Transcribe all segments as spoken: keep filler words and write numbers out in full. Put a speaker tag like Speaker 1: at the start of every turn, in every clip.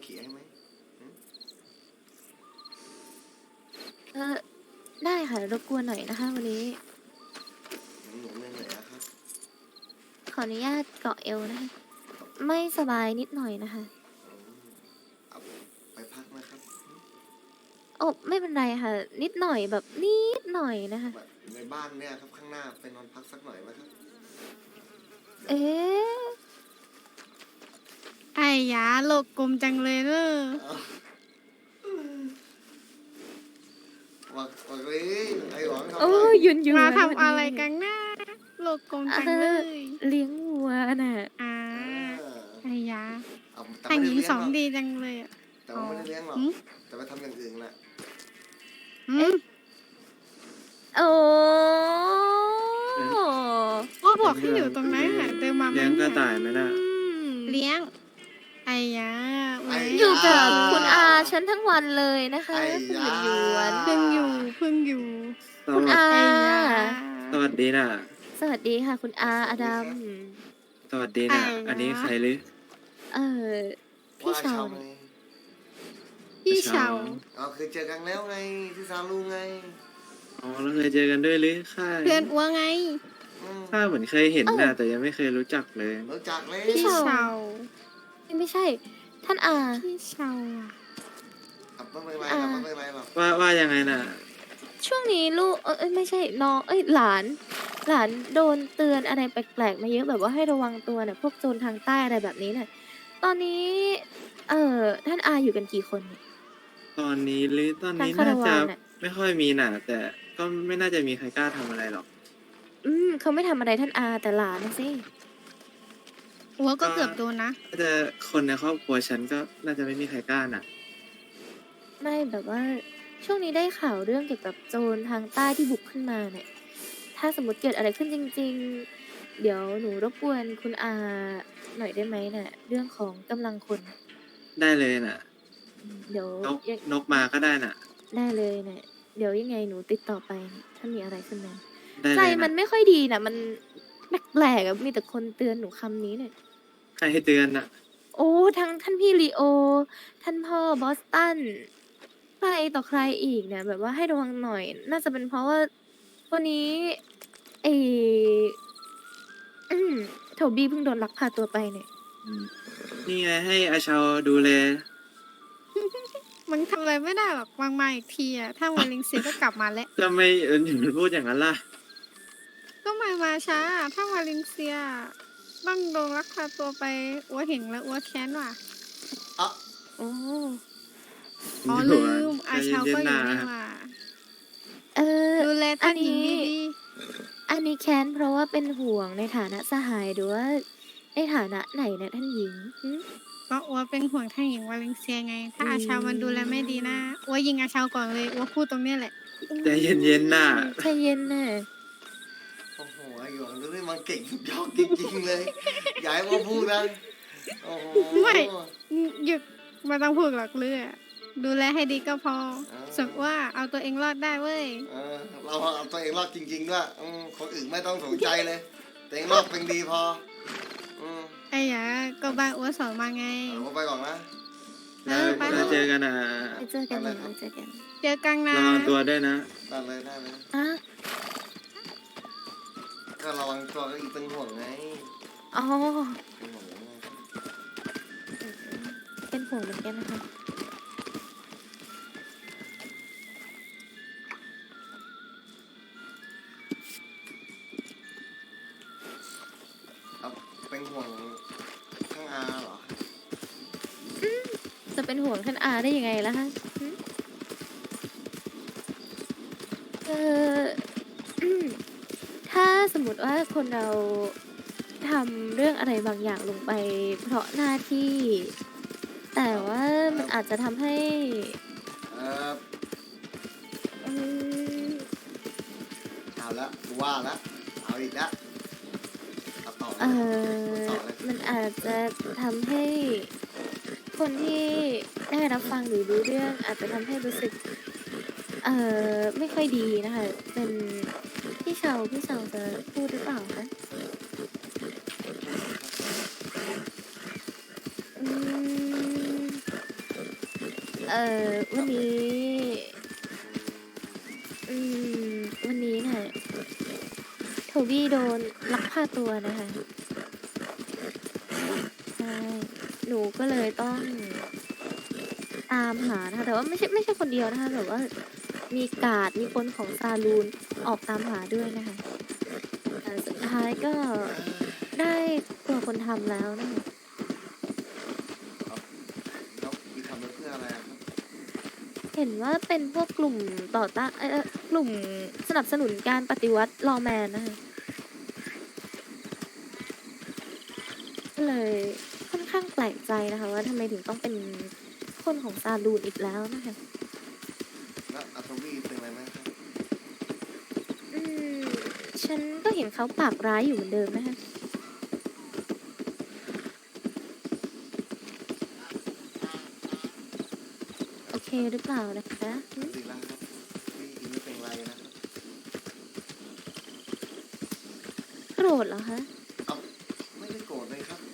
Speaker 1: ขี่ให้ไหม
Speaker 2: เออได้ค่ะรบกวนหน่อยนะคะวันนี้
Speaker 1: หนูเหนื่อยนะครับ
Speaker 2: ขออนุญาตเกาะเอวนะคะไม่สบายนิดหน่อยนะคะ
Speaker 1: เอาไปพักนะครับ
Speaker 2: โอ้ไม่เป็นไรค่ะนิดหน่อยแบบนิดหน่อยนะคะ
Speaker 1: แบบในบ้านเนี่ยครับข้างหน้าไปนอนพักสักหน่อยไหมครับ
Speaker 2: เอ๊ะ
Speaker 3: ไอ้ยาโลกกลมจังเลยเนอะ
Speaker 1: บอกบอกเลยไอ้หวังทำ
Speaker 2: โอ้
Speaker 1: อะไร
Speaker 2: ยยืนยืน
Speaker 3: มาทำอะไรกันนะโลกกลมจังเลย
Speaker 2: เลี้ยงวัวน่ะ
Speaker 3: อ่า
Speaker 1: เออ
Speaker 3: ไอ้ยา
Speaker 1: เอาแต่
Speaker 3: ทาง
Speaker 1: ไม่
Speaker 3: ห
Speaker 1: ได้
Speaker 3: ญิง
Speaker 1: เลี้ยง
Speaker 3: สอง
Speaker 1: หรอก
Speaker 3: ดีจังเลยอ่ะ
Speaker 1: แต่ว่าไม่ได้เลี้ยงหรอก
Speaker 3: หืม
Speaker 1: แต่ไปทำอย่างอื่นแหละ
Speaker 3: หืม
Speaker 2: โอ้
Speaker 3: ว่าบอกให้อยู่ตรงนั้นอ่ะเดินมา
Speaker 4: เลี้ยงกระต่ายไหมน่ะ
Speaker 3: เลี้ยงไอ้ยาแหม
Speaker 2: อยู่กับคุณอาฉันทั้งวันเลยนะคะคุณหยวนหยวน
Speaker 3: เพิ่งอยู่เพิ่งอยู่
Speaker 4: ส
Speaker 2: คุณ
Speaker 4: วัส
Speaker 2: อา
Speaker 3: ไอ้ยา
Speaker 4: สวัสดีน่ะ
Speaker 2: สวัสดีค่ะ คุณอาอดัม
Speaker 4: สวัสดีน่ะ อันนี้ใครหรือ
Speaker 2: เออพี่
Speaker 1: ว่า
Speaker 2: ชาว
Speaker 1: ไง
Speaker 3: พี่เชา
Speaker 1: เอาเคยเจอกันแล้วไงที่ซาลูไง
Speaker 4: อ๋อแล้วเคยเจอกันด้วยหรือข้า
Speaker 3: เพื่อนอ้วไง
Speaker 1: อืม
Speaker 4: ข้าเหมือนเคยเห็นน่ะ แต่ยังไม่เคยรู้จักเลย
Speaker 1: รู้จักเลย
Speaker 3: พี่เชา
Speaker 2: ไม่ใช่ ท่านอา
Speaker 3: พี่เชาอ่ะ
Speaker 1: อ่ะไม่เป็นไรหรอกไม่เป็นไรหรอก
Speaker 4: ว่าว่ายังไงน่ะ
Speaker 2: ช่วงนี้ลูกเอ้ยไม่ใช่น้องเอ้ยหลาน หลานโดนเตือนอะไรแปลกๆมาเยอะแบบว่าให้ระวังตัวเนี่ยพวกโจรทางใต้อะไรแบบนี้เนี่ยตอนนี้ เอ่อท่านอาอยู่กันกี่คนเนี่ย
Speaker 4: ตอนนี้หรือตอนนี้
Speaker 2: ทางคา
Speaker 4: น่า
Speaker 2: รา
Speaker 4: จะ
Speaker 2: วานน่ะ
Speaker 4: ไม่ค่อยมีน่ะ แต่ก็ไม่น่าจะมีใครกล้าทำอะไรหรอก
Speaker 2: อืมเขาไม่ทำอะไรท่านอาแต่หลานนะสิ
Speaker 3: อ้วก็เกือบโดนนะ
Speaker 4: น่าจะคนในครอบครัวฉันก็น่าจะไม่มีใครกล้าน่ะ
Speaker 2: ไม่แบบว่าช่วงนี้ได้ข่าวเรื่องเกี่ยวกับโจรทางใต้ที่บุกขึ้นมาเนี่ย ถ้าสมมติเกิดอะไรขึ้นจริง ๆ เดี๋ยวหนูรบกวนคุณอาหน่อยได้ไหมเนี่ยเรื่องของกำลังคน
Speaker 4: ได้เลยน่ะ
Speaker 2: อืมเดี๋ยวน
Speaker 4: ก
Speaker 2: ยัง
Speaker 4: นกมาก็ได้น่ะ
Speaker 2: ได้เลยเนี่ยเดี๋ยวยังไงหนูติดต่อไปเนี่ยถ้ามีอะไรขึ้นมา
Speaker 4: ได้
Speaker 2: ใจ
Speaker 4: เลย
Speaker 2: มัน
Speaker 4: น่ะ
Speaker 2: ไม่ค่อยดีนะมันแปลกๆอะมีแต่คนเตือนหนูคำนี้เนี่ย
Speaker 4: ใครให้เตือนน่ะ
Speaker 2: โอ้ทั้งท่านพี่ลีโอ ท่านพ่อบอสตันใครต่อใครอีกเนี่ย แบบว่าให้ระวังหน่อย น่าจะเป็นเพราะว่าวันนี้เอออืมโทบี้เพิ่งโดนลักพาตัวไปเนี่ย
Speaker 4: อืมนี่ไงให้อาชาวดูแล
Speaker 3: มันทำอะไรไม่ได้หรอกวางมาอีกทีอ่ะถ้าวันลิงเสียก็กลับมาแล้ว
Speaker 4: จะไม่เออถึงพูดอย่างนั้นล่ะ
Speaker 3: ก็มามาช้า ถ้าวาเลนเซียต้องโดนลักพาตัวไปอ้วเห็นแล้วอ้วแค้นว่ะ
Speaker 1: อ่ะ
Speaker 2: โอ้
Speaker 3: อ๋อ
Speaker 4: อยู่
Speaker 3: ลื
Speaker 4: อ่ะ
Speaker 3: มอา
Speaker 4: ใจ
Speaker 3: เชา
Speaker 4: เย็
Speaker 3: ก็
Speaker 4: นๆ
Speaker 3: อยู่
Speaker 4: นะ
Speaker 3: นี่ว่ะ
Speaker 2: เออ
Speaker 3: ดูแล
Speaker 2: อั
Speaker 3: ท่าน นหญิง
Speaker 2: นี้
Speaker 3: ดี
Speaker 2: อันนี้แค้นเพราะว่าเป็นห่วงในฐานะสหายหรือว่าในฐานะไหนเนี่ยท่านหญิงหึ
Speaker 3: ๆก็อ้วเป็นห่วงท่านหญิงวาเลนเซียไง ถ้า
Speaker 2: อืม
Speaker 3: อาเชามันดูแลไม่ดีนะอ้วยิงอาเชาก่อนเลยอ้วพูดตรงเนี้ยแหละ
Speaker 4: ใจเย็นๆน่ะ
Speaker 2: ใจเย็นน่ะ
Speaker 1: โอ้โหไอ้หวังดูนี่มันเก่งสุดยอดจริงๆเลยอย่าให้ว่าพูดนะโอ้โห
Speaker 3: ไม่ หยุดไมาต้องพูดหรอกเลือดูแลให้ดีก็พอ
Speaker 1: อ่า
Speaker 3: ส่วนว่าเอาตัวเองรอดได้เว้ย
Speaker 1: เออเราเอาตัวเองรอดจริงๆด้วยอืมคนอื่นไม่ต้องสนใจเลยตัวเองรอดเป็นดีพออืม
Speaker 3: ไอ้หยาก็บ้านอ้วสอนมาไง
Speaker 1: เอาไปก่อนนะ
Speaker 3: เออไป
Speaker 4: แล้วเจอกันอ่ะ
Speaker 2: ไปเจอกันนะไปเจอกัน
Speaker 3: เจอกันนะ
Speaker 4: ระวังตัวด้วยนะ
Speaker 1: ได้เลยได้เลย
Speaker 2: อ่ะ
Speaker 1: ก็ระวังตัวก็อีกเป็นห่วงไง
Speaker 2: อ๋อ
Speaker 1: เป็นห่วงไง
Speaker 2: เป็นห่วงเหมือนกันนะคะ
Speaker 1: เอาเป็นห่วงข้างอาเหรอ
Speaker 2: จะเป็นห่วงท่านอาได้ยังไงล่ะคะหึเอออืมถ้าสมมติว่าคนเราทำเรื่องอะไรบางอย่างลงไป เพราะหน้าที่ แต่ว่ามันอาจจะทำให้
Speaker 1: เออ
Speaker 2: อืม
Speaker 1: เอาละว่าละเอาอีกแล้วเอาต่อ
Speaker 2: เออ
Speaker 1: ต่อเลย
Speaker 2: มันอาจจะทำให้คนที่ได้รับฟังหรือรู้เรื่อง อาจจะทำให้รู้สึก เออไม่ค่อยดีนะคะ เป็นพี่เชาพี่เชาจะพูดหรือเปล่าคะอืมเอ่อวันนี้ อืม วันนี้เนี่ยโทบี้โดนลักพาตัวนะคะใช่หนูก็เลยต้องตามหานะคะ แต่ว่าไม่ใช่ไม่ใช่คนเดียวนะคะแบบว่ามีการ์ดมีคนของซาลูนออกตามหาด้วยนะคะแต่สุดท้ายก็ได้ตัวคนทำแล้วนะคะ
Speaker 1: แล้วมีทำไปเพื่ออะไรอะครับ
Speaker 2: เห็นว่าเป็นพวกกลุ่มต่อต้านเอ่อกลุ่มสนับสนุนการปฏิวัติลอว์แมนนะคะก็เลยค่อนข้างแปลกใจนะคะว่าทำไมถึงต้องเป็นคนของซาลูนอีกแล้วนะคะ
Speaker 1: แล้วอัตวีเป็นอะไรไหมครับ
Speaker 2: อืม ฉันก็เห็นเขาปากร้ายอยู่เหมือนเดิมนะคะ โอเคหรือเปล่านะคะหึ
Speaker 1: ดีแล้วครับพี่อินไม่เป็นไรนะครับ
Speaker 2: โกรธเหรอคะ
Speaker 1: เอาไม่ได้โกรธเลยครับ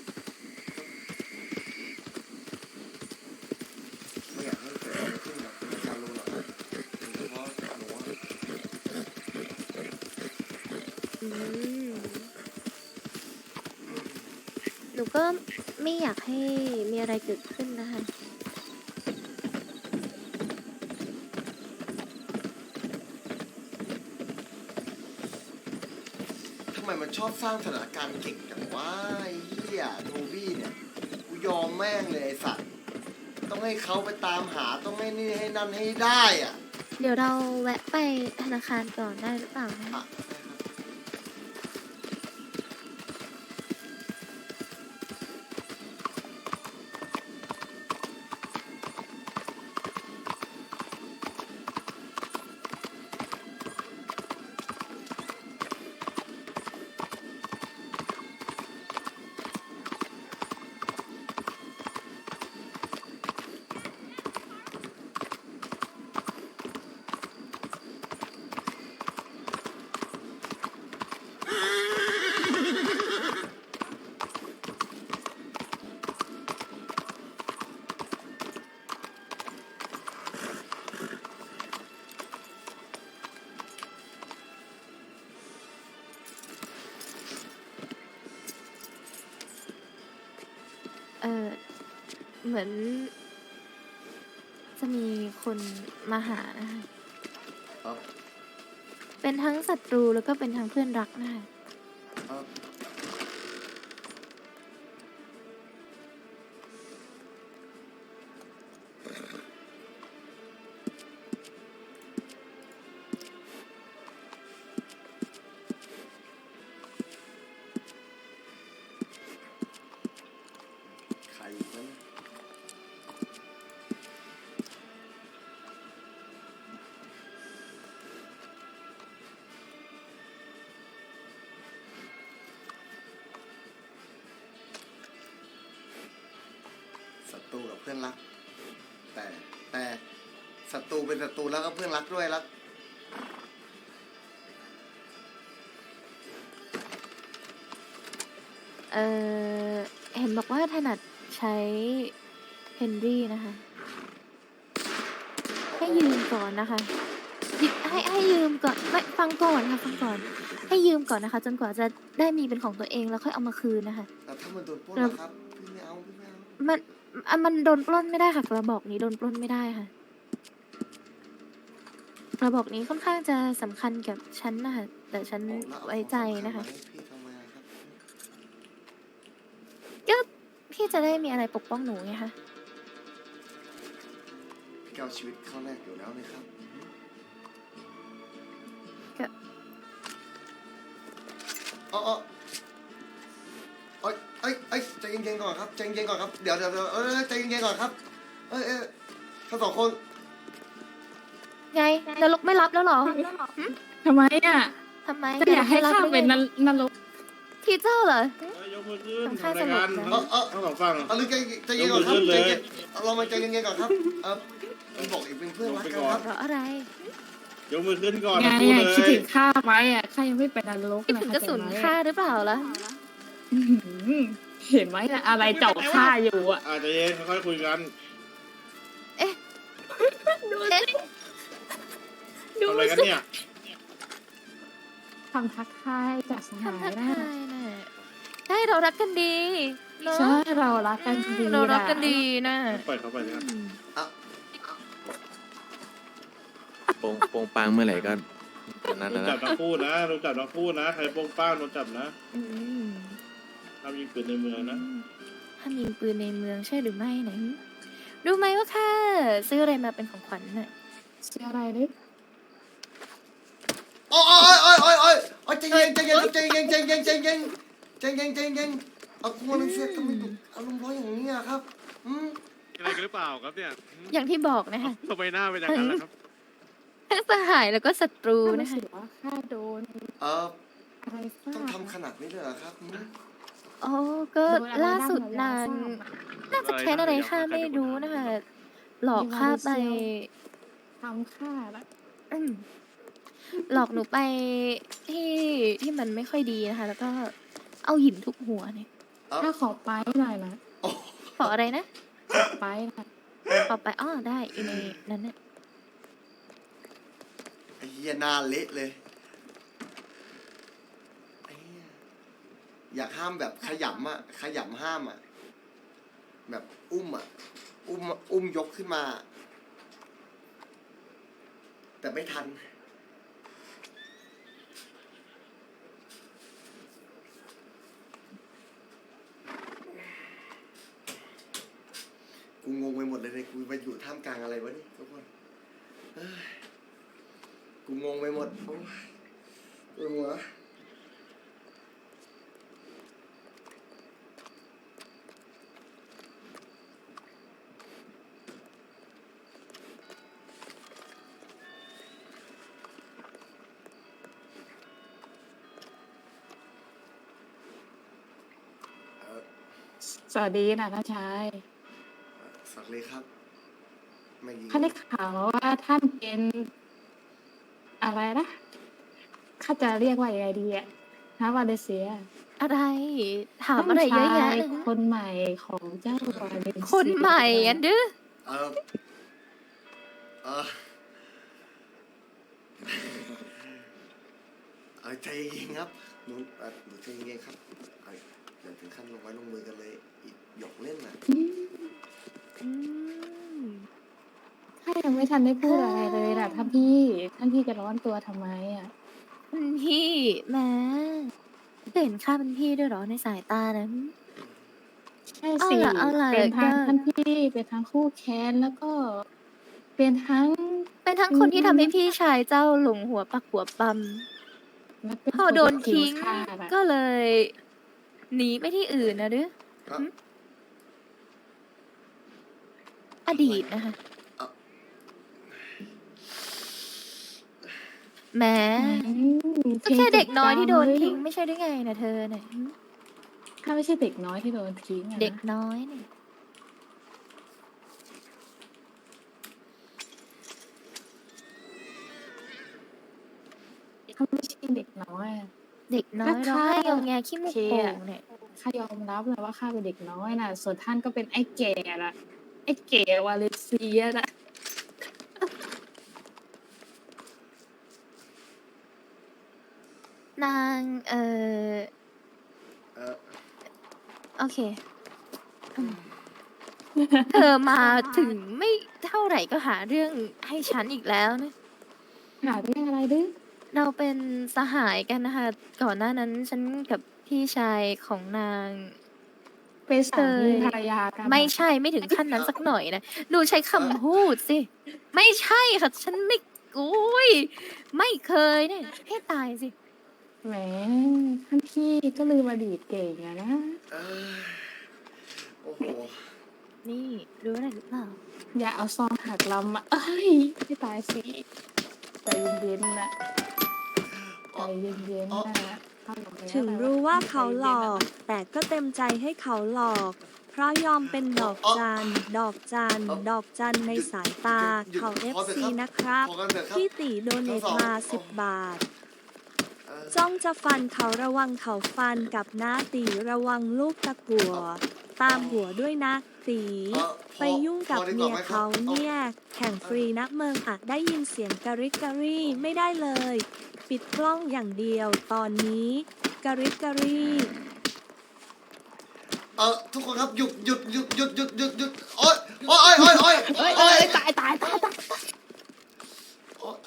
Speaker 1: ไม่อยากให้เกิดอะไรขึ้นกับคุณการรู้หรอกครับโดยเฉพาะหนูอะ
Speaker 2: อืม หนูก็ไม่อยากให้มีอะไรเกิดขึ้นนะคะ
Speaker 1: ทำไมมันชอบสร้างสถานการณ์เก่งจังวะไอ้เหี้ยโทบี้เนี่ยกูยอมแม่งเลยไอ้สัตว์ต้องให้เขาไปตามหาต้องให้นี่ให้นั่นให้ได้อ่ะ
Speaker 2: เดี๋ยวเราแวะไปธนาคารก่อนได้หรือเปล่านะ
Speaker 1: อ่ะ
Speaker 2: เออเหมือน จะมีคนมาหานะคะ
Speaker 1: เอา
Speaker 2: เป็นทั้งศัตรูแล้วก็เป็นทั้งเพื่อนรักนะคะ
Speaker 1: เอาใครอีกนั้นศัตรูกับเพื่อนรัก แต่แต่ศัตรูเป็นศัตรูแล้วก็เพื่อนรักด้วยรัก
Speaker 2: เออเห็นบอกว่าถนัดใช้เฮนรี่นะคะ ให้ยืมก่อนนะคะยิให้ให้ยืมก่อนไม่ฟังก่อนค่ะฟังก่อน ให้ยืมก่อนนะคะ จนกว่าจะได้มีเป็นของตัวเองแล้วค่อยเอามาคืนนะคะ
Speaker 1: แต่ถ้ามันโดนปล้นนะครับ พี่ไม่เอาพี่ไม่เอา
Speaker 2: มันอ่ะมันโดนปล้นไม่ได้ค่ะกระบอกนี้โดนปล้นไม่ได้ค่ะกระบอกนี้ค่อนข้างจะสำคัญกับฉันนะคะแต่ฉัน
Speaker 1: โอ้แล้วเอา
Speaker 2: ไว้ใจนะคะ
Speaker 1: ของสำญมาให้พี่ทำไมครับ
Speaker 2: ก็พี่จะได้มีอะไรปกป้องหนูไงคะ
Speaker 1: พี่ก็เอาชีวิตเข้าแรกอยู่แล้วนะครับ
Speaker 2: ก็
Speaker 1: อ๋ออ๋อเอ้ยเอ้ยเอ้ยใจเย็นๆก่อนครับใจเย็นๆก่อนครับ เดี๋ยวเดี๋ยวเดี๋ยวเอ้ยใจเย็นๆก่อนครับ เอ้ยเอ้ยทั้งสองคน
Speaker 2: ไงนรกไม่รับแล้วเหรอ
Speaker 3: ทำไมอ่ะ
Speaker 2: ทำไม
Speaker 3: จะอยากให้ข้าเป็นน
Speaker 2: น
Speaker 3: นรก
Speaker 2: ทีเจ้าเหรอ
Speaker 5: ยกมือขึ้น
Speaker 2: ทำค่า
Speaker 5: ทำรายการ
Speaker 2: สลบนะ
Speaker 1: เออเออ
Speaker 5: ทั้งสองฝั่ง
Speaker 1: เอาลึกใจใจเย็นก่อนครับ
Speaker 5: ยกมือขึ้น
Speaker 1: ใจ
Speaker 5: เลย
Speaker 1: เย็นเอาเรามาใจเย็นๆก่อนครับ เออมันบอกอีกเป็นเพื่อนรักกันครับ
Speaker 2: เพราะอะไร
Speaker 5: ยกมือขึ้นก่อน
Speaker 3: ไง
Speaker 5: ทั้งคู่
Speaker 3: อ่ะ
Speaker 5: เล
Speaker 3: คิด
Speaker 5: ย
Speaker 3: ถึงข้าไว้อ่ะข้ายังไม่เป็นนรก
Speaker 2: คิด
Speaker 3: นะ
Speaker 2: ถึงกระสุน
Speaker 3: เข้าใจไหม
Speaker 2: ค่าหรือเปล่าล่ะ
Speaker 3: อื้อหือเห็นไหมน่ะอะไรเจาะข้าอยู่อ่ะ
Speaker 5: อาจจะเย็นค่อยๆคุยกัน
Speaker 2: ดูสิดู
Speaker 5: ทำอะไรกัน
Speaker 2: สิ
Speaker 5: เนี่ย
Speaker 3: ทำทักทายจากสหา
Speaker 2: ทำทั
Speaker 3: ย
Speaker 2: ก
Speaker 3: นะ
Speaker 2: ทายน่ะใช่เรารักกันดีเนาะ
Speaker 3: ใช่เรารักกันดี
Speaker 2: เรารักกันดีนะ
Speaker 5: ปล่อยเขาไปเลยครับ
Speaker 2: อืม
Speaker 1: อ่ะ
Speaker 6: โปงโปงปังเมื่อไหร่ก็อันนั้น
Speaker 5: โดน
Speaker 6: นะ
Speaker 5: จับทั้งคู่นะโดนจับทั้งคู่นะ ใครโป้งป้างโดนจับนะ
Speaker 2: อืม
Speaker 5: ห้ามยิงปืนในเมืองนะ
Speaker 2: ห้ามยิงปืนในเมืองใช่หรือไม่นะรู้ไหมว่าค่ะซื้ออะไรมาเป็นของขวัญน่ะ
Speaker 3: เชื่ออะไรดิ
Speaker 1: โอ้ยโอ้ยโอ้ยโอ้ยโอ้ยโอ้ยใจเย็นใจเย็นใจเย็นใจเย็นใจเย็นใจเย็นใจเย็นเอาคุณมาเลเซียทำไมดุอารมณ์ร้อนอย่างนี้อะครับอืม
Speaker 7: อะไรกันหรือเปล่าครับเนี่ย
Speaker 2: อย่างที่บอกนะคะ
Speaker 7: ทำไมหน้าเป็นอย่างนั้นล่ะครับ
Speaker 2: ทั้งสหายแล้วก็ศัตรู
Speaker 3: รู้
Speaker 2: นะคะ
Speaker 3: สึกว่าข้าโดน
Speaker 1: เออ
Speaker 3: อะไรฟา
Speaker 1: ต้อง
Speaker 3: ด
Speaker 1: ทำขนาดนี้เลยเหรอครับอืม
Speaker 2: โอ้ก็
Speaker 3: โดนอะไร
Speaker 2: ล่าสุด
Speaker 3: บ้
Speaker 2: นาง
Speaker 3: เหรอยาทราบอะ
Speaker 2: น่าจะแค้นอะไรข้าไม่รู้นะคะ หลอกข้าไป
Speaker 3: ทำข้าละ
Speaker 2: อืมหลอกหนูไปที่ที่มันไม่ค่อยดีนะคะ แล้วก็เอาหินทุบหัวเนี่ย
Speaker 3: ข้าขอไปหน่อยนะ
Speaker 1: โอ้
Speaker 2: ขออะไรนะ
Speaker 3: ขอไปหน่อย
Speaker 2: ขอไปอ้อได้อยู่ในนั้นน่ะ
Speaker 1: ไอ้เหี้ยหน้าเละเลยไอ้เหี้ยอยากห้ามแบบขยำอะขยำห้ามอะแบบอุ้มอะอุ้มอุ้มยกขึ้นมา แต่ไม่ทัน กูงงไปหมดเลยเนี่ยกูไปอยู่ท่ามกลางอะไรวะนี่ทุกคนเอ้ยกูงงไปหมดโอ้ยปวดหัวเอ่อ
Speaker 3: สวัสดีนะท่านชาย
Speaker 1: สักเลยครับ ไม่ยิง
Speaker 3: ข้าได้ข่าวมาว่าท่านเป็นอะไรนะข้าจะเรียกว่ายังไงดีอะฮะวาเลเซีย
Speaker 2: อะไร ถามอะไรเยอะแยะ
Speaker 3: ท่าน
Speaker 2: เล
Speaker 3: ชาย
Speaker 2: ยนะ
Speaker 3: คนใหม่ของเจ้าวาเลเซีย
Speaker 2: คนใหม่อันดื้อ
Speaker 1: เออเออเออใจเย็นครับหนูเอ่อหนูใจเย็นครับเอ้ยอย่าถึงขั้นลงไว้ลงมือกันเลย อีกหยอกเล่นน่ะ
Speaker 3: อืม
Speaker 2: อืม
Speaker 3: ข้ายังไม่ทันได้พูดอะไรเลยนะท่านพี่ ท่านพี่จะร้อนตัวทำไมอ่ะ
Speaker 2: คุณพี่แหม่เห็นข้าเป็นพี่ด้วยเหรอในสายตานะ
Speaker 3: ใช่
Speaker 2: เอา
Speaker 3: สิ
Speaker 2: ล่ะเอาล่ะ
Speaker 3: เป็นทั้ง
Speaker 2: ก็
Speaker 3: ท่านพี่เป็นทั้งคู่แค้นแล้วก็ เป็นทั้ง
Speaker 2: เป็นทั้งคนที่ทำให้พี่ชายเจ้าหลงหัวปักหัวปั๊ม
Speaker 3: และเป็น
Speaker 2: พอโดน
Speaker 3: คที่
Speaker 2: ทิ้ง
Speaker 3: ฆ่าน่ะ
Speaker 2: ก็เลยหนีไปที่อื่นนะดื้อ
Speaker 1: ครับ
Speaker 2: อดีตนะคะ
Speaker 1: เอา
Speaker 2: แหม้
Speaker 3: อืม
Speaker 2: ก็แค่เด็กน้อยที่โดน
Speaker 3: เพล
Speaker 2: ทิ้ง
Speaker 3: จบ
Speaker 2: ไม่ใช่ได้ไงนะเธอเนี่ย
Speaker 3: ข้าไม่ใช่เด็กน้อยที่โดนทิ้งอะนะ
Speaker 2: เด็กน้อยเนี่ย
Speaker 3: ข้าไม่ใช่เด็กน้อยอะ
Speaker 2: เด็กน้อย
Speaker 3: ก็
Speaker 2: ร้อง
Speaker 3: ข้า
Speaker 2: ไห้งอแงขี้มูก
Speaker 3: โอเค
Speaker 2: โป่
Speaker 3: อะ
Speaker 2: งเนี่ย
Speaker 3: ข้ายอมรับเลยว่าข้าเป็นเด็กน้อยน่ะ ส่วนท่านก็เป็นไอ้แก่ละไอ้แก่วาเลเซียน่ะ
Speaker 2: นางเออ
Speaker 1: เออ
Speaker 2: โอเคอืมเธอมาถึงไม่เท่าไหร่ก็หาเรื่องให้ฉันอีกแล้วนะ
Speaker 3: หาเรื่องอะไรดื้อ
Speaker 2: เราเป็นสหายกันนะคะ ก่อนหน้านั้นฉันกับพี่ชายของนาง
Speaker 3: เป็นสามี
Speaker 2: เคย
Speaker 3: ภรรยากัน
Speaker 2: ไม่ใช่ไม่ถึงขั้นนั้นสักหน่อยนะดูใช้คำพูดสิ ไม่ใช่ค่ะ ฉันไม่อุ้ยไม่เคยเนี่ยให้ตายสิ
Speaker 3: แหมท่านพี่ก็ลืมอดีตเก่งอะนะ
Speaker 1: เออโอ้โห
Speaker 2: นี่รู้อะไรหรือเปล่า
Speaker 3: อย่าเอาซองหักลำมาเอ้ยให้ตายสิใจเย็นๆนะใจเย็นๆนะเข้าหลับแล้ว
Speaker 8: ถึงรู้ว่าเขาหลอก แต่ก็เต็มใจให้เขาหลอก เพราะยอมเป็นดอกจัน ดอกจัน ดอกจันในสายตา เขา เอฟ ซี นะครับ
Speaker 1: พอกันเถอะครับ
Speaker 8: พี่ตีโดเนทมาสิบบาท
Speaker 1: เออ
Speaker 8: จ้องจะฟันเขาระวังเขาฟันกับน้าตีระวังลูกตะกั่ว ตามหัวด้วยนะตี
Speaker 1: เอ่อพอ
Speaker 8: ไปยุ่งกับ
Speaker 1: พอดีก
Speaker 8: เมี
Speaker 1: ว่าย ไหมครับ
Speaker 8: เขา
Speaker 1: เอา
Speaker 8: เนี่ย แข่งฟรีนะเมืองอะได้ยินเสียงกะริกกะรี่ไม่ได้เลย ปิดกล้องอย่างเดียวตอนนี้กะริกกะรี่
Speaker 1: เออทุกคนครับหยุดหยุดหยุดหยุดหยุดหยุดหยุดโอ๊ยโอ๊ยโอ๊ยโอ๊ยโอ๊ย
Speaker 3: เอ้ย
Speaker 1: โอ๊
Speaker 3: เอ้
Speaker 1: ย
Speaker 3: ยตายตายตายตาย
Speaker 1: โอ๊ย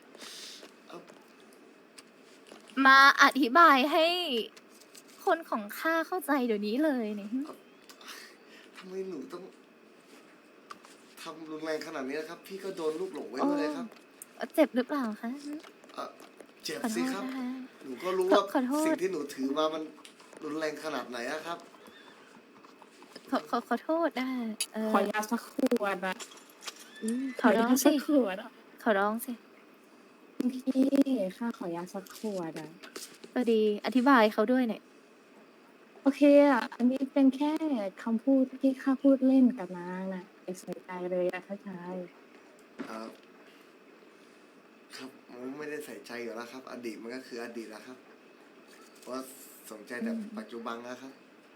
Speaker 2: มาอธิบายให้คนของข้าเข้าใจเดี๋ยวนี้เลยเนี่ย
Speaker 1: ทำไมหนูต้องทำรุนแรงขนาดนี้นะครับ พี่ก็โดนลูกหลงไว้ด้วยเลยครับ
Speaker 2: เจ็บหรือเปล่าคะ
Speaker 1: เอ่อเจ็บ
Speaker 2: ขอโท
Speaker 1: สิ
Speaker 2: ษ
Speaker 1: ครับ
Speaker 2: นะคะ
Speaker 1: หนูก็รู้
Speaker 2: ขอ
Speaker 1: ว่า
Speaker 2: ขอโทษ
Speaker 1: สิ่งที่หนูถือมามันรุนแรงขนาดไหนอะครับ
Speaker 2: ขอขอขอโทษนะคะเออ
Speaker 3: ขอยาสักขวดอะ
Speaker 2: อืมข
Speaker 3: ข
Speaker 2: อ
Speaker 3: อ
Speaker 2: ร้
Speaker 3: ยา
Speaker 2: อง
Speaker 3: สั
Speaker 2: สิ
Speaker 3: กขวดอะ
Speaker 2: ขอร้องสิ
Speaker 3: พี่ข้าขอยาสักขวดอะ
Speaker 2: ก็ดีอธิบายเขาด้วยหน่อย
Speaker 3: โอเคอะอันนี้เป็นแค่คำพูดที่ข้าพูดเล่นกับนางน่ะอย่าใส่ใจเลยอะข้าชาย
Speaker 1: เอ่อครับผมไม่ได้ใส่ใจอยู่แล้วครับ อดีตมันก็คืออดีตแล้วครับเพราะสนใจแต่ปัจจุบันนะครับ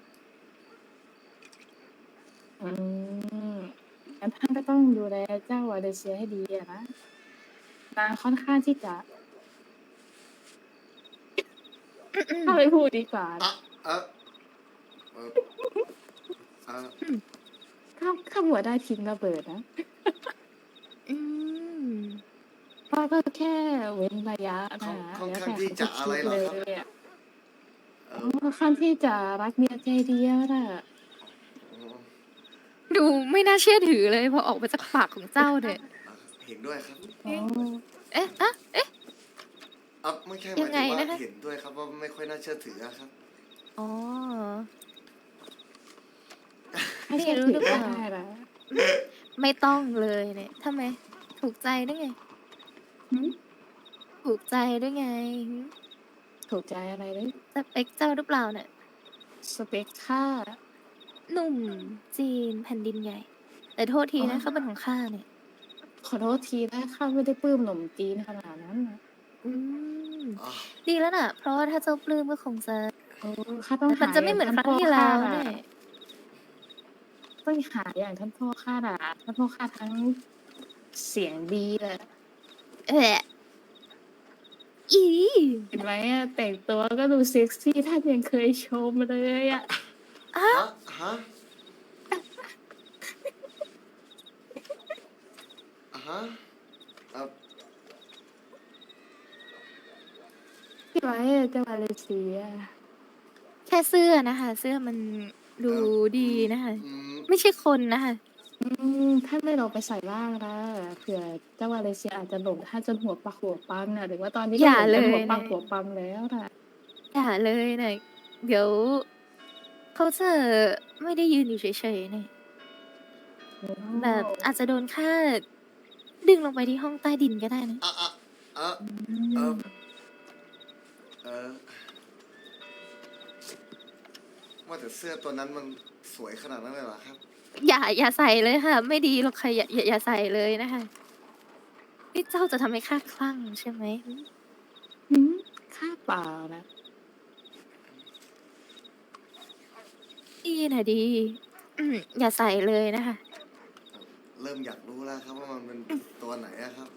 Speaker 3: อืมงั้นท่านก็ต้องดูแลเจ้าวาเลเซียให้ดีอะนะนางค่อนข้างที่จะถ้าไม่พูดดีกว่า
Speaker 1: อ่ะเออเออเออ
Speaker 3: ข้าข้าหัวได้ทิ้งระเบิดนะ
Speaker 2: อืม
Speaker 3: ข้าก็แค่เว้นระยะนะ
Speaker 1: ค่อน
Speaker 3: แล้ว
Speaker 1: ข้าง
Speaker 3: แต่
Speaker 1: ที่จะอะไรเหรอครับ
Speaker 3: เลยอะ
Speaker 1: เอ
Speaker 3: อ๋
Speaker 1: อ
Speaker 3: อค่อนข้างที่จะรักเมียใจเดียวน่ะ
Speaker 1: อ๋อ
Speaker 2: ดูไม่น่าเชื่อถือเลยพอออกมาจากปากของเจ้าเนี่ย
Speaker 1: อ่ะเห็นด้วยครับ
Speaker 3: อ๋อ
Speaker 2: เอ๊ะอะเอ๊ะ
Speaker 1: อ่ะไม่ใช่ห
Speaker 2: ยั
Speaker 1: มาย
Speaker 2: งไง
Speaker 1: ถึงว่า
Speaker 2: นะคะ
Speaker 1: เห็นด้วยครับว่าไม่ค่อยน่าเชื่อถืออะครับ
Speaker 2: อ๋อ
Speaker 3: ไม่
Speaker 2: พี่
Speaker 3: เชื่อ
Speaker 2: รู้
Speaker 3: ถื
Speaker 2: หรือ
Speaker 3: อ
Speaker 2: เปล่า
Speaker 3: ได้ละ
Speaker 2: ไม่ต้องเลยเนี่ยทำไม ถูกใจได้ไง
Speaker 3: หึ
Speaker 2: ถูกใจได้ไงหึ
Speaker 3: ถูกใจอะไรเลย
Speaker 2: สเปคเจ้าหรือเปล่าเนี่ย
Speaker 3: สเปคข้า
Speaker 2: หนุ่มจีนแผ่นดินใหญ่ แต่โทษทีนะ
Speaker 3: อ๋อ
Speaker 2: เขาเป็นของข้าเนี่ย
Speaker 3: ขอโทษทีนะข้าไม่ได้ปลื้มหนมจีนขนาดนั้นนะ
Speaker 2: อืม
Speaker 1: อ่ะ
Speaker 2: ดีแล้วน่ะ เพราะว่าถ้าเจ้าปลื้มก็คงจะ
Speaker 3: โอ้ข้าต้อง
Speaker 2: มั
Speaker 3: หาน
Speaker 2: จะไม่เหมือนครั้งที่แล้วแน่
Speaker 3: ต้องหาอย่างท่านพ่อข้าน่ะท่านพ่อข้าทั้งเสียงดีเลย
Speaker 2: เอะอี
Speaker 3: เห็นไหมอะแต่งตัวก็ดูเซ็กซี่ท่านยังเคยชมเลยอะ
Speaker 2: อ่ะ
Speaker 1: ฮะฮะอ่ะฮะเอ่อ
Speaker 3: เห็นไหมอะเจ้ามาเลเซีย
Speaker 2: แค่เสื้อนะคะ เสื้อมันดูดีนะคะ
Speaker 1: อืม
Speaker 2: ไม่ใช่คนนะคะ
Speaker 3: อืมท่านไม่ลองไปใส่บ้างนะเผื่อเจ้ามาเลเซียอาจจะหลงท่านจนหัวปักหัวปั๊มน่ะหรือว่าตอนนี้
Speaker 2: อ
Speaker 3: ก็
Speaker 2: ย่า
Speaker 3: หลงจนหัว
Speaker 2: เลย
Speaker 3: ปัก
Speaker 2: นะ
Speaker 3: หัวปั๊มแล้วน่ะ
Speaker 2: อย่าเลยนะเดี๋ยวเขาจะไม่ได้ยืนอยู่เฉยๆเนี่ยแบบอาจจะโดนฆ่าดึงลงไปที่ห้องใต้ดินก็ได้นะ
Speaker 1: อ่ะอ่ะอ่ะ
Speaker 3: อื
Speaker 1: เออ
Speaker 3: ม
Speaker 1: เออว่าแต่เสื้อตัวนั้นมันสวยขนาดนั้นเลยเหรอครับ
Speaker 2: อย่าอย่าใส่เลยค่ะ ไม่ดีหรอกค่ะอย่าอย่าอย่าใส่เลยนะคะนี่เจ้าจะทำให้ข้าคลั่งใช่ไหม
Speaker 3: หืมข้าเปล่านะ
Speaker 2: ดีนะดีอืมอย่าใส่เลยนะคะ
Speaker 1: เริ่มอยากรู้แล้วครับว่ามันเป็นตัวไหนอะครับ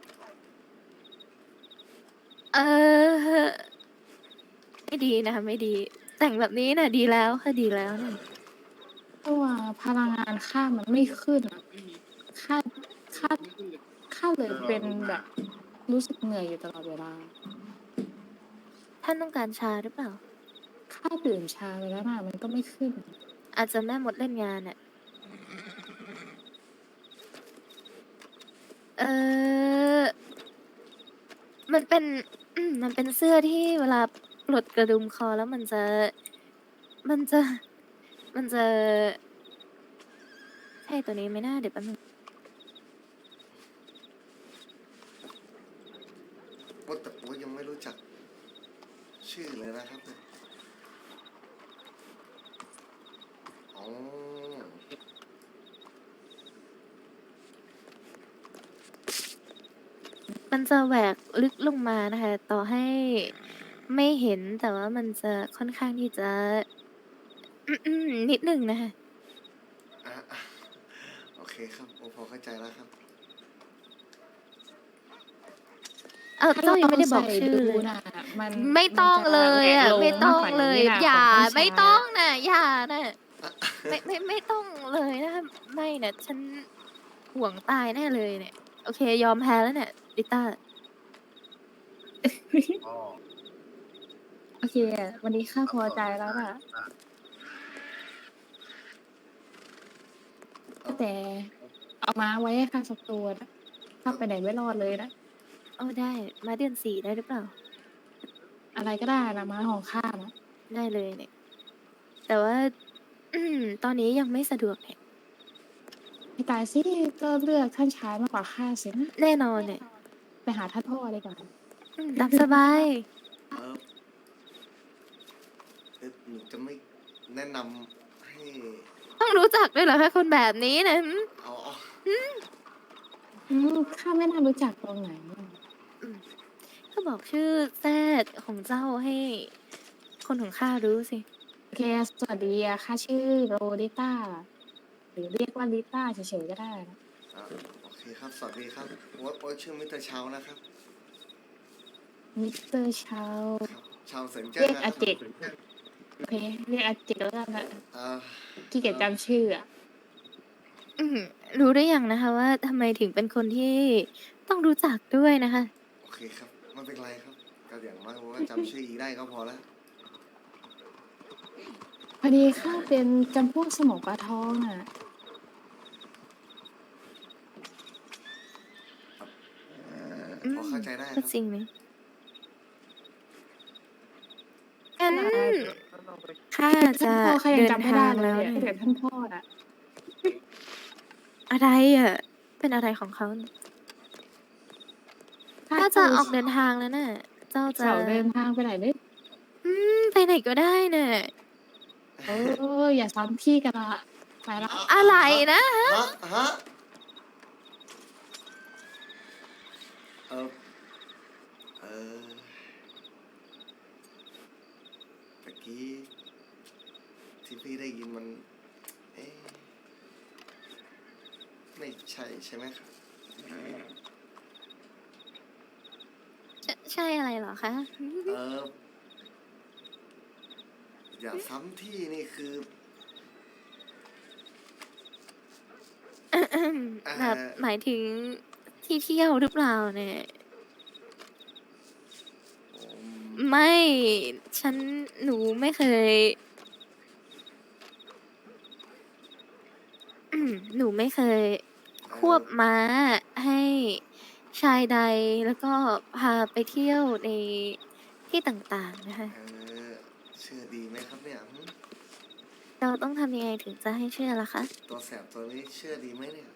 Speaker 2: เออไม่ดีนะคะไม่ดี แต่งแบบนี้น่ะ ดีแล้วค่ะดีแล้วนะ
Speaker 3: เพราะว่าพลังงานข้ามันไม่ขึ้นอะข้าข้าข้าเลยเป็นแบบ รู้สึกเหนื่อยอยู่ตลอดเวลา
Speaker 2: ท่านต้องการชาหรือเปล่า
Speaker 3: ข้าดื่มชาไปแล้วนะมันก็ไม่ขึ้น
Speaker 2: อาจจะแม่มดเล่นงานอ่ะ เออ มันเป็น อืมมันเป็นเสื้อที่เวลาปลดกระดุมคอแล้วมันจะ มันจะ มันจะ ใช่ตัวนี้ไหมน่าเดี๋ยวแป๊บนึง
Speaker 1: ว่าแต่ผมยังไม่รู้จัก ชื่อเลยนะครับเนี่ยอ๋อ
Speaker 2: มันจะแหวกลึกลงมานะคะ ต่อให้ไม่เห็นแต่ว่ามันจะค่อนข้างที่จะ อืมๆนิดหนึ่งนะคะ
Speaker 1: อ่ะครับโอพอเข้าใจแล้วครับ
Speaker 2: เออเจ้ายังไม่ได้บอกชื่อเลย
Speaker 3: นะมัน
Speaker 2: ไม่ต้องเลยอ่ะ
Speaker 3: นจ
Speaker 2: ไม่ต้อง
Speaker 3: แหวกโล
Speaker 2: เลย
Speaker 3: มากกว่นี้นะ
Speaker 2: อย่า
Speaker 3: ของผู้ช
Speaker 2: ไม่ต้องนะอย่านะไม่ไม่ไม่ต้องเลยนะไม่นะฉันห่วงตายแน่เลยเนี่ย โอเค ยอมแพ้แล้วเนี่ยดิต้า
Speaker 3: โอเคอะวันนี้ข้าพอใจแล้วน่ะแต่เอามาไว้ให้ข้าสักตัวนะข้าไปไหนไม่รอดเลยนะ
Speaker 2: โอ้ได้มาเดือนสี่ได้หรือเปล่า
Speaker 3: อะไรก็ได้นะม้าของข้านะ
Speaker 2: ได้เลยเนี่ย แต่ว่า อืม ตอนนี้ยังไม่สะดวกเนี่ย
Speaker 3: ให้ตายสิก็เลือกท่านชายมากกว่าข้าเสียนะ
Speaker 2: แน่นอนเนี่ย
Speaker 3: ไปหาท่านพ่อเลยก่อน
Speaker 2: อืมรับสบาย
Speaker 1: เออเอ่อหนูจะไม่แนะนำให้
Speaker 2: ต้องรู้จักด้วยเหรอคะคนแบบนี้นะหืม
Speaker 1: เอาเอา
Speaker 3: อืมข้าไม่น่ารู้จักตรงไหนอะ
Speaker 2: ก็บอกชื่อแซดของเจ้าให้ คนของข้ารู้สิ
Speaker 3: โอเคสวัสดีอะข้าชื่อโรดิต้าหรือเรียกว่าลิต้าเฉยๆก็ได้นะ
Speaker 1: อ่ะโอเคครับสวัสดีครับโอ๊ตโอ๊ตชื่อมิสเตอร์ชาวนะครับ
Speaker 3: มิสเตอร์ชาว
Speaker 1: ครับชาวเซินเจิ้
Speaker 3: เรี
Speaker 1: น
Speaker 3: ยก
Speaker 1: นะค
Speaker 3: อา
Speaker 1: รับ
Speaker 3: เจกโอเคเรียกอาเจกแล้วกันนะ
Speaker 1: อ่า
Speaker 3: ขี้เกียจจำชื่ออะ
Speaker 2: อืมรู้ได้ยังนะคะว่าทำไมถึงเป็นคนที่ต้องรู้จักด้วยนะคะ
Speaker 1: โอเคครับไม่เป็นไรครับก็อย่างมากว่าจำชื่ออีได้ก็พอแล้ว
Speaker 3: พอดีข้าเป็นจำพวกสมองปลาทองอ่ะ
Speaker 2: อืม
Speaker 1: พอเข้าใจได้ค
Speaker 2: ก็
Speaker 1: รับ
Speaker 2: จริงไหมงั้นข้า
Speaker 3: ท่าน
Speaker 2: จะ
Speaker 3: พ่อข้ายั
Speaker 2: เดิ
Speaker 3: ง
Speaker 2: น
Speaker 3: จำไม่
Speaker 2: ทา
Speaker 3: ได้
Speaker 2: ง
Speaker 3: เล
Speaker 2: แล้
Speaker 3: ยว อะ
Speaker 2: เนี่ย
Speaker 3: ถ้าเกิดท่านพ่ออ่ะ
Speaker 2: อะไรอ่ะ เป็นอะไรของเขาเนี่ยข้าจะออกเดินทางแล้วน่ะ เจ้าจะ
Speaker 3: เสาเดินทางไปไหนเนี่ย
Speaker 2: อืมไปไหนก็ได้น่ะ
Speaker 3: เอออย่าซ้ำพี่กันละไปละ
Speaker 2: อะไรนะ
Speaker 1: ฮะฮะเออเออตะกี้ที่พี่ได้ยินมัน เอ๊ะไม่ใช่ใช่ไหมครับ
Speaker 2: ใช่ใช่อะไรเหรอคะ
Speaker 1: เอออย่าซ้ำที่นี่คือ
Speaker 2: แบบหมายถึงที่เที่ยวหรือเปล่าเนี่ย
Speaker 1: ผม
Speaker 2: ไม่ ฉันหนูไม่เคย อืมหนูไม่เคย ควบม้าให้ชายใดแล้วก็พาไปเที่ยวในที่ต่างๆนะคะ
Speaker 1: เออเชื่อดีไหมครับเนี่ยหึ
Speaker 2: เราต้องทำยังไงถึงจะให้เชื่อล่ะคะ
Speaker 1: ตัวแสบตัวนี้เชื่อดีไหมเนี่ย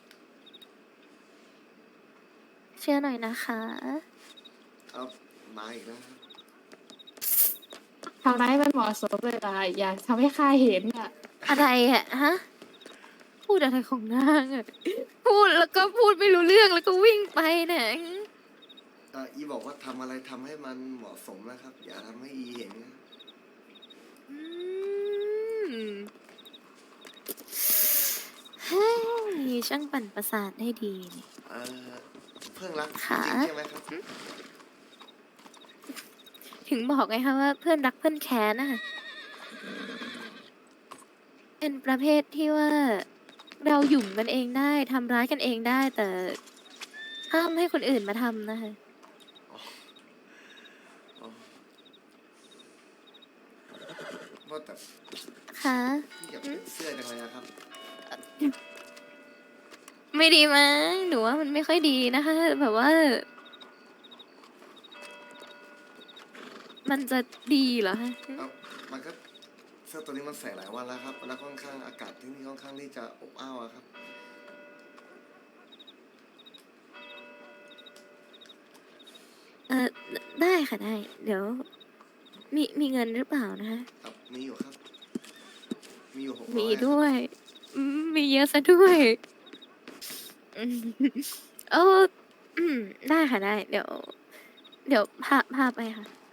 Speaker 2: เชื่อหน่อยนะคะ
Speaker 1: เอามาอีกแล้วครับ
Speaker 3: ทำร้ายมันเหมาะสมเลยล่ะอย่าทำให้ข้าเห็นอ่ะ
Speaker 2: อะไรอะฮะ พูดอะไรของนางอะพูดแล้วก็พูดไม่รู้เรื่องแล้วก็วิ่งไปเนี่ย
Speaker 1: เอ่ออีบอกว่าทำอะไรทำให้มันเหมาะสมนะครับ อย่าทำให้อีเห็นนะ
Speaker 2: อืมเฮ้ยช่างปั่นประสาทได้ดีนี่
Speaker 1: เออเพื่อนรัก
Speaker 2: ค่ะ
Speaker 1: จริงใช่ไหมครับ
Speaker 2: ถึงบอกไงคะว่าเพื่อนรักเพื่อนแค้นนะคะเป็นประเภทที่ว่าเราหยุ่มกันเองได้ทำร้ายกันเองได้ แต่ห้ามให้คนอื่นมาทำนะคะ
Speaker 1: อ๋ออ๋อว่าแต่
Speaker 2: ค่ะ
Speaker 1: พี่อยากเป็นเสื้อจังเลยนะครับ
Speaker 2: ไม่ดีมั้งหนูว่ามันไม่ค่อยดีนะคะ แบบว่า มันจะดีเหรอคะ
Speaker 1: เอ้ามันก็เสื้อตัวนี้มันใส่หลายวันแล้วครับแล้วค่อนข้างอากาศที่นี่ค่อนข้างที่จะอบอ้าวอะครับ
Speaker 2: เออได้ค่ะได้ เดี๋ยว มีมีเงินหรือเปล่านะคะ
Speaker 1: ครับมีอยู่ครับ มีอยู่หกร้อย
Speaker 2: มีด้วยอืมมีเยอะซะด้วยอืมเอออืมได้ค่ะได้ เดี๋ยว เดี๋ยวพาพาไปค่ะ